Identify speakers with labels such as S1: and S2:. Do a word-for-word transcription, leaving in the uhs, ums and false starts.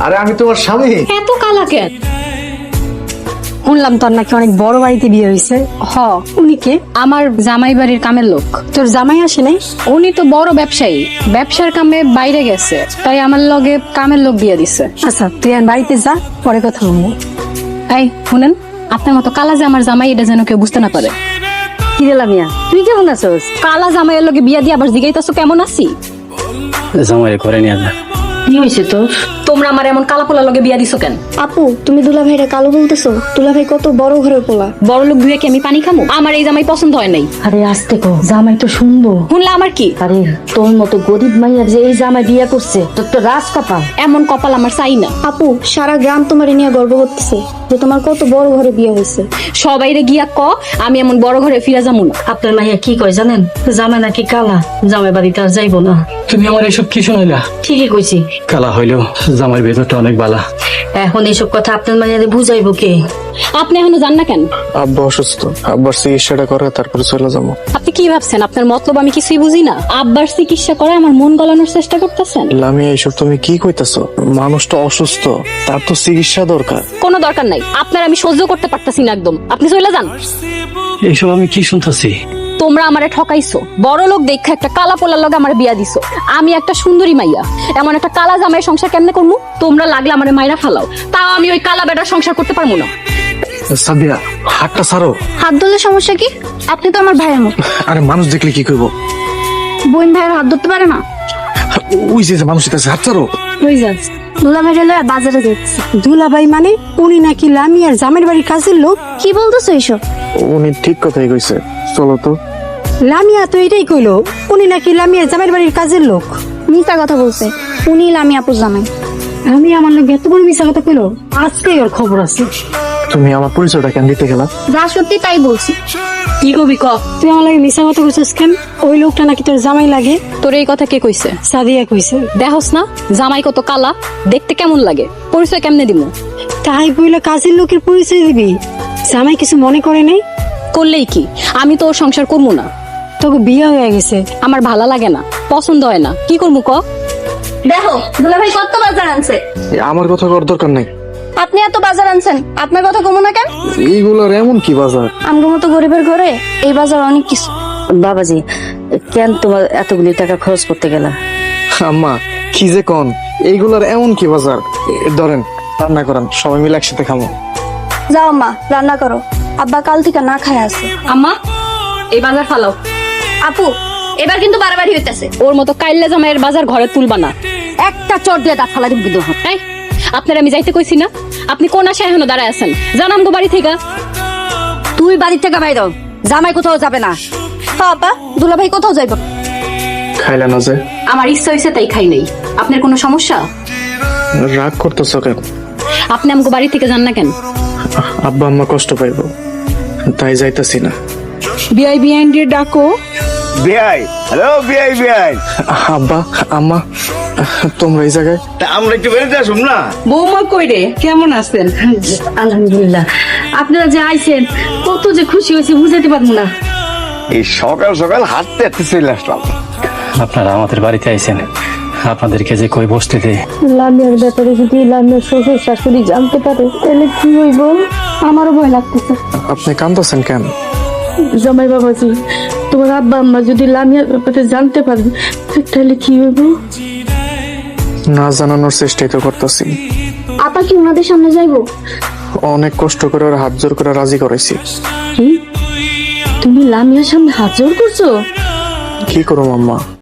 S1: আরে আমি তোমার স্বামী।
S2: এত কালা কেন?
S3: শুনলাম তোর নাকি অনেক বড় বাড়িতে বিয়ে হয়েছে।
S2: হ,
S3: উনি কে?
S2: আমার জামাই বাড়ির কামের লোক।
S3: তোর জামাই আসে নাই?
S2: উনি তো বড় ব্যবসায়ী, ব্যবসার কামে বাইরে গেছে, তাই আমার লগে কামের লোক বিয়ে দিছে।
S3: আচ্ছা তুই আর বাড়িতে যা, পরে কথা বলবো।
S2: এই শুনেন, আপনার মতো কালা যে আমার জামাই, এটা যেন কেউ বুঝতে না পারে।
S3: কি রে লামিয়া, তুই কেমন আছোস?
S2: কালা জামাইয়ের লগে বিয়া দিয়ে আবার জিগাইতাছো কেমন আছি।
S4: জামাই করে নিয়ে যা।
S3: কি হয়েছে তোর?
S2: তোমরা আমার এমন কালা পোলা লগে বিয়া দিছো কেন?
S5: আপু, তুমি দুলা ভাইরা কালো বলতেছো? দুলা ভাই কত বড় ঘরের পোলা।
S2: বড় লোক ধুয়ে কি আমি পানি খামো? আমার এই জামাই পছন্দ হয় নাই।
S3: আরে আস্তে কো, জামাই তো শুনবো।
S2: শুনলে আমার কি?
S3: আরে তোর মতো গরিব মাইয়া যে এই জামাই বিয়ে করছে, তোর তো রাজ কপাল।
S2: এমন কপাল আমার চাই না।
S5: আপু, সারা গ্রাম তোমার নিয়ে গর্ব করতেছে যে তোমার কত বড় ঘরে বিয়ে হয়েছে।
S2: সবাইরে গিয়া ক আমি এমন বড় ঘরে ফিরে যাবো না।
S3: আপনার মাইয়া কি কয় জানেন? জামাই নাকি কালা, জামাই বাড়িতে আর যাইবো না।
S4: তুমি আমার এইসব কি শোনাইলা?
S3: ঠিকই কইছি।
S4: কালা হইলেও জামাইয়ের ভেতরটা অনেক বালা।
S3: এখন এইসব কথা আপনার মাইয়ারে বুঝাইবো কে?
S2: আপনি এখনো জান না কেন?
S1: আব্বা অসুস্থ, আব্বার চিকিৎসাটা করে তারপরে চলে যাবো।
S2: আপনি কি ভাবছেন আপনার মতলব আমি কিছুই বুঝি না? আব্বার চিকিৎসা করে আমার মন গলানোর চেষ্টা করতেছেন?
S1: লামিয়া এইসব তুমি কি কইতাছো? মানুষটা অসুস্থ, তার তো চিকিৎসা দরকার।
S2: কোনো দরকার নাই, আপনার আমি সহ্য করতে পারতাছি না একদম। আপনি চলে যান।
S4: এইসব আমি কি শুনতেছি?
S2: তোমরা আমারে ঠকাইছো, বড় লোক দেখা একটা কালা পোলার লগে আমার বিয়া দিছো। আমি একটা সুন্দরী মাইয়া, এমন একটা কালা জামাইয়ের সংসার কেমনে করবো? তোমরা লাগলে আমারে মাইরা ফালাও, তাও আমি ওই কালা বেটার সংসার করতে পারবো না।
S1: সাদিয়া, হাতটা ছাড়ো।
S5: হাত ধরলে সমস্যা কি? আপনি তো আমার ভাইয়ের মতো।
S1: আরে মানুষ দেখলে কি করবো?
S5: বোন ভাইয়ের হাত ধরতে পারে না?
S1: ওই যে মানুষ আছে, হাত ছাড়ো।
S3: কই যাস?
S5: দুলা ভাইরা লয়ে বাজারে যাচ্ছে।
S3: দুলাভাই মানে? উনি নাকি লামিয়ার জামাইয়ের বাড়ির কাজের লোক?
S5: কি বলতেছো এইসব?
S1: উনি ঠিক কথাই কইছে, চলো তো।
S3: লামিয়া তো এটাই কইলো, উনি নাকি লামিয়ার জামাইয়ের বাড়ির কাজের লোক।
S5: মিথ্যা কথা বলছে। উনি লামি আপুর জামাই।
S3: আমি আমার লোক এত বড় মিশা কথা কইলো, আজকেই ওর খবর আছে।
S1: তুমি আমার পরিচয়টা কেন দিতে গেলা?
S5: যা সত্যি তাই বলছি।
S3: কি কবি ক? তুই আমার লাগে মিশা কথা কইছিস কেন? ওই লোকটা নাকি তোর জামাই লাগে।
S2: তোর এই কথা কে কইছে?
S3: সাদিয়া কইছে।
S2: দেখোস না জামাই কত কালা, দেখতে কেমন লাগে? পরিচয় কেমনে দিমু?
S3: তাই বইলে কাজের লোকের পরিচয় দিবি? জামাই কিছু মনে করে নাই?
S2: করলেই কি, আমি তো ওর সংসার করবো না।
S3: তোকে বিয়ে হয়ে গেছে।
S2: আমার ভালো লাগে না, পছন্দ হয় না, কি করবো ক?
S5: দেখো, দুলা ভাই কত বাজার আনছে।
S1: এ, আমার কথা করার দরকার নাই।
S5: আপনি এত বাজার আনছেন, আপনার কথা কমো না কেন?
S1: এইগুলোর এমন কি বাজার?
S5: আমগো মতো গরিবের ঘরে এই বাজার অনেক কিছু।
S3: বাবাজি, কেন তোমার এতগুলি টাকা খরচ করতে গেলা?
S1: আম্মা কি যে কন, এইগুলোর এমন কি বাজার? এ, ধরেন রান্না করেন, সবাই মিলে একসাথে খাবো।
S5: যাও মা, রান্না করো। আব্বা কাল থেকে না খায় আছে।
S2: আম্মা, এই বাজার ফালাও।
S5: আপু, এবার কিন্তু বাড়াবাড়ি হইতেছে।
S2: ওর মতো কাইল্লা জামাইয়ের বাজার ঘরে তুলবা না।
S3: একটা চট দিয়ে দাঁত ফালা দিবি।
S2: এই, আপনার আমি যাইতে কইছি না? আপনি কোন আশায় এখনো দাঁড়ায় আছেন? জানাম গো বাড়ি থেকে।
S3: তুই বাড়ি থেকে বাইর হ, জামাই কোথাও যাবে না।
S5: হ্যাঁ আপা, দুলা ভাই কোথাও যাইব?
S1: খাইলে না যে?
S2: আমার ইচ্ছা হয়েছে তাই খাই নাই। আপনার কোনো সমস্যা?
S1: রাগ করতেছ কেন?
S2: আপনি আমাকে বাড়ি থেকে যান না কেন?
S1: আব্বা আম্মা কষ্ট পাইব, তাই যাইতাছি না।
S3: বিআই বিআইন দিয়ে ডাকো।
S6: বিআই, হ্যালো বিআই বিআই।
S1: আব্বা আম্মা, তোমরা এই জায়গায়?
S6: তা আমরা একটু বেরোতে আসুন না।
S3: বৌমা কই রে, কেমন আছেন? আলহামদুলিল্লাহ। আপনারা যে আইছেন, কত যে খুশি হয়েছে বুঝাইতে পারবো না।
S6: এই সকাল সকাল হাঁটতে হাঁটতে চলে আসলাম।
S4: আপনারা আমাদের বাড়িতে আইছেন, আপনাদেরকে যে কই বসতে দেয়।
S5: লামিয়ার ব্যাপারে যদি লামিয়ার শ্বশুর শাশুড়ি জানতে পারে তাহলে কি হইব? আমারও ভয় লাগতেছে।
S1: আপনি কান্দছেন কেন?
S7: জামাই বাবাজি, তোমার আব্বা আম্মা যদি লামিয়ার ব্যাপারে জানতে পারে তাহলে কি হইব?
S1: না জানানোর চেষ্টাই তো করতেছি।
S5: আপা কি ওনাদের সামনে যাইবো?
S1: অনেক কষ্ট করে ওর হাত জোর করে রাজি করাইছি।
S7: কি? তুমি লামিয়ার সামনে হাত জোর করছো?
S1: কি করো আম্মা?